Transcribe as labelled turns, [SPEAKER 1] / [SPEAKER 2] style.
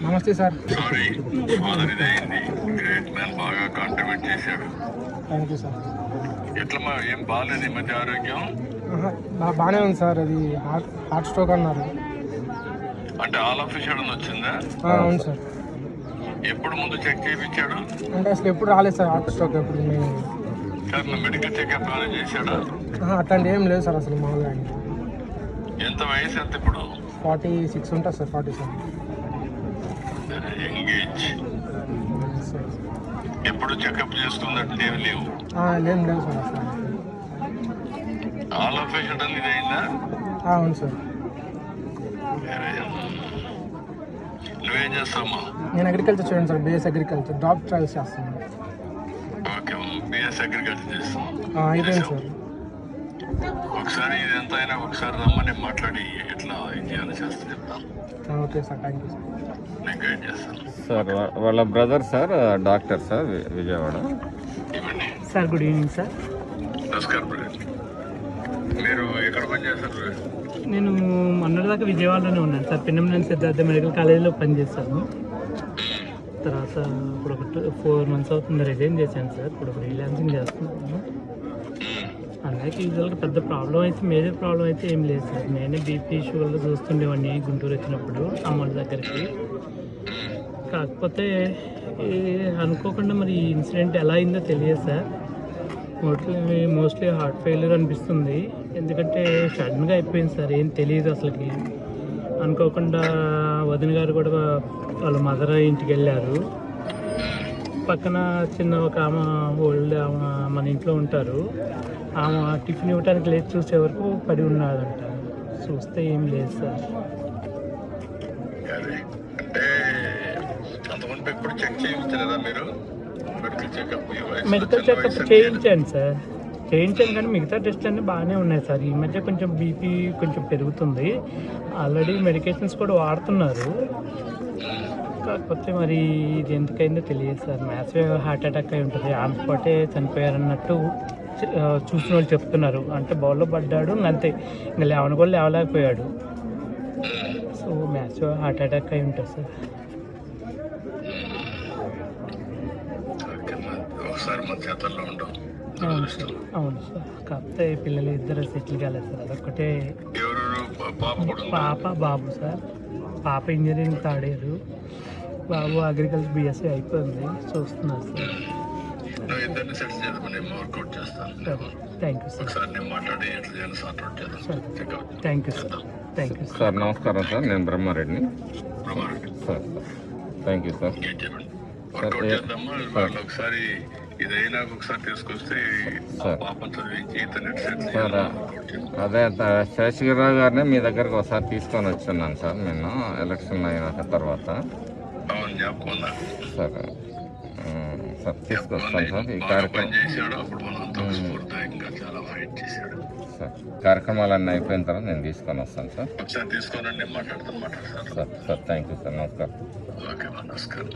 [SPEAKER 1] నమస్తే sir.
[SPEAKER 2] Sorry father ఇదైంది. Great man, బాగా కాంట్రిబ్యూట్ చేశాడు.
[SPEAKER 1] Thank you sir.
[SPEAKER 2] ఎట్లా ఏం బాగాలేదు ఈ మధ్య ఆరోగ్యం?
[SPEAKER 1] బాగానే ఉంది సార్. అది హార్ట్ స్ట్రోక్ అన్నారు.
[SPEAKER 2] అంటే ఆల్ ఆఫ్ సడన్ వచ్చిందా?
[SPEAKER 1] అవును సార్.
[SPEAKER 2] ఎప్పుడు ముందు చెక్ చేయించాడు?
[SPEAKER 1] అంటే అసలు ఎప్పుడు రాలేదు సార్ హార్ట్ స్ట్రోక్. ఎప్పుడు మేము
[SPEAKER 2] సార్ మెడికల్ చెకప్ ఏమైనా చేశాడా?
[SPEAKER 1] అట్లాంటి ఏం లేదు సార్ అసలు మామూలుగా.
[SPEAKER 2] ఎంత వయసు ఎంత ఇప్పుడు?
[SPEAKER 1] 46 ఉంటుంది సార్. 47.
[SPEAKER 2] ఎంగేజ్. ఎప్పుడు చెకప్ చేసుకున్నట్టు ఏమి లేవు?
[SPEAKER 1] లేదు సార్ అసలు.
[SPEAKER 2] ఆల్ ఆఫ్ సడన్ ఇది అయిందా?
[SPEAKER 1] అవును సార్.
[SPEAKER 2] నువ్వేం చేస్తావమ్మా?
[SPEAKER 1] నేను అగ్రికల్చర్ చూడండి sir. BS agriculture drop trials చేస్తాను.
[SPEAKER 2] ఓకే, బిఎస్ అగ్రికల్చర్ చేస్తాం.
[SPEAKER 1] అయిపోయింది సార్.
[SPEAKER 2] ఒకసారి ఇది ఎంత అయినా ఒకసారి రమ్మని మాట్లాడి ఎట్లా ఇది చేయాలో చేస్తా చెప్తాను.
[SPEAKER 1] Okay sir, thank you sir.
[SPEAKER 2] నేను గైడ్ చేస్తాను
[SPEAKER 3] సార్. వాళ్ళ brother sir doctor sir, Vijayawada.
[SPEAKER 2] ఇవ్వండి
[SPEAKER 1] సార్. Good evening sir.
[SPEAKER 2] నమస్కారం బ్రదర్. మీరు ఎక్కడ పని చేస్తారు?
[SPEAKER 1] నేను మొన్నటిదాకా విజయవాడలోనే ఉన్నాను సార్. పిన్నమనేని సిద్ధార్థ మెడికల్ కాలేజీలో పనిచేస్తాను. తర్వాత ఇప్పుడు ఒక 4 months అవుతుంది రిజైన్ చేశాను సార్. ఇప్పుడు ఫ్రీలాన్సింగ్ చేస్తున్నాను. అలాగే యూజువల్గా పెద్ద ప్రాబ్లం అయితే, మేజర్ ప్రాబ్లం అయితే ఏం లేదు సార్. నేనే బీపీ షుగర్లో చూస్తుండేవాడిని గుంటూరు వచ్చినప్పుడు అమ్మోళ్ళ దగ్గరికి. కాకపోతే అనుకోకుండా మరి ఈ ఇన్సిడెంట్ ఎలా అయిందో తెలియదు సార్. మోస్ట్లీ హార్ట్ ఫెయిల్యూర్ అనిపిస్తుంది. ఎందుకంటే సడన్గా అయిపోయింది సార్. ఏం తెలియదు అసలుకి. అనుకోకుండా వదిన గారు కూడా వాళ్ళ మదర్ ఇంటికి వెళ్ళారు. పక్కన చిన్న ఒక ఆమె ఓల్డ్ ఆమె మన ఇంట్లో ఉంటారు. ఆమె టిఫిన్ ఇవ్వడానికి లేచి చూసే వరకు పడి ఉన్నాడంట. చూస్తే ఏం లేదు సార్. మెడికల్ చెకప్ చేయించాను సార్. చేయించాను కానీ మిగతా టెస్ట్ అన్నీ బాగానే ఉన్నాయి సార్. ఈ మధ్య కొంచెం బీపీ కొంచెం పెరుగుతుంది. ఆల్రెడీ మెడికేషన్స్ కూడా వాడుతున్నారు. కాకపోతే మరి ఇది ఎందుకైందో తెలియదు సార్. మ్యాసివ్ హార్ట్ అటాక్ అయి ఉంటుంది. ఆన్ స్పాటే చనిపోయారన్నట్టు చూసిన వాళ్ళు చెప్తున్నారు. అంటే బౌల్లో పడ్డాడు అంతే, ఇంకా లేవని కూడా లేవలేకపోయాడు. సో మ్యాసివ్ హార్ట్ అటాక్ అయి ఉంటుంది సార్. అవును సార్. కాకపోతే పిల్లలు ఇద్దరు సెటిల్ కాలేదు సార్. అదొక్కటే. పాప బాబు సార్. పాప ఇంజనీరింగ్ థర్డ్ ఇయర్, బాబు అగ్రికల్చర్ బిఎస్సీ అయిపోయింది. చూస్తున్నారు sir. Thank you sir. Thank you sir. Thank you
[SPEAKER 3] sir. నమస్కారం సార్, నేను బ్రహ్మారెడ్డిని సార్. Thank you sir.
[SPEAKER 2] ఒకసారి ఇదైనా ఒకసారి తీసుకొస్తే
[SPEAKER 3] సార్ అదే శేషగిరిరావు గారిని మీ దగ్గరకు ఒకసారి తీసుకొని వచ్చున్నాను సార్ నేను ఎలక్షన్ అయిన తర్వాత. సార్ సార్ తీసుకొస్తాను సార్. ఈ కార్యక్రమాలన్నీ అయిపోయిన తర్వాత నేను తీసుకొని వస్తాను సార్.
[SPEAKER 2] తీసుకోనండి, మాట్లాడతాను.
[SPEAKER 3] Sir sir thank you sir. నమస్కారం.
[SPEAKER 2] నమస్కారం.